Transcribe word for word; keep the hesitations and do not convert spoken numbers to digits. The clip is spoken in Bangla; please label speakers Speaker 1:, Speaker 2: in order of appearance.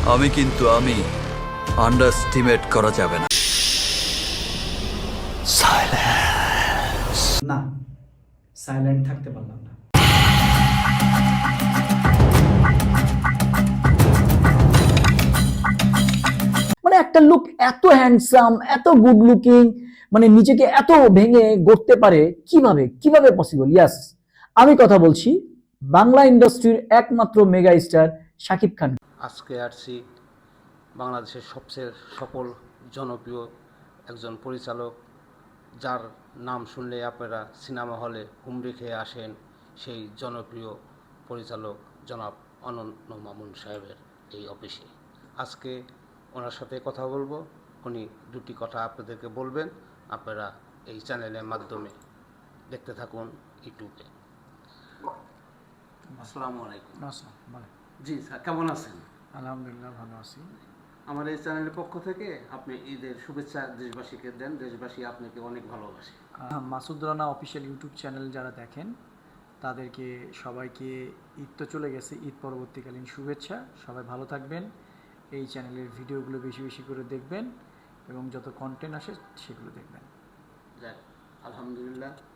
Speaker 1: আমি কিন্তু আমি আন্ডারস্টিমেট করা যাবে না।
Speaker 2: না, সাইলেন্ট থাকতে পারলাম না। মানে একটা লুক এত হ্যান্ডসাম, এত গুড লুকিং, মানে নিজেকে এত ভেঙে গড়তে পারে কিভাবে কিভাবে পসিবল? ইয়াস, আমি কথা বলছি বাংলা ইন্ডাস্ট্রির একমাত্র মেগা স্টার শাকিব খান।
Speaker 3: আজকে আসছি বাংলাদেশের সবচেয়ে সফল জনপ্রিয় একজন পরিচালক, যার নাম শুনলে আপনারা সিনেমা হলে হুমড়ি খেয়ে আসেন, সেই জনপ্রিয় পরিচালক জনাব অনন্য মামুন সাহেবের এই অফিসে। আজকে ওনার সাথে কথা বলবো, উনি দুটি কথা আপনাদেরকে বলবেন। আপনারা এই চ্যানেলের মাধ্যমে দেখতে থাকুন ইউটিউবে। আসসালামু আলাইকুম। জি স্যার, কেমন আছেন?
Speaker 2: আলহামদুলিল্লাহ, ভালো আছি।
Speaker 3: আমার এই চ্যানেলের পক্ষ থেকে আপনি ঈদের শুভেচ্ছা দেশবাসীকে দেন। দেশবাসী আপনাকে অনেক ভালোবাসে।
Speaker 2: Masud Rana official YouTube channel যারা দেখেন তাদেরকে সবাইকে ঈদ তো চলে গেছে, ঈদ পরবর্তীকালীন শুভেচ্ছা। সবাই ভালো থাকবেন, এই চ্যানেলের ভিডিওগুলো বেশি বেশি করে দেখবেন এবং যত কন্টেন্ট আসে সেগুলো দেখবেন।
Speaker 3: যাক, আলহামদুলিল্লাহ।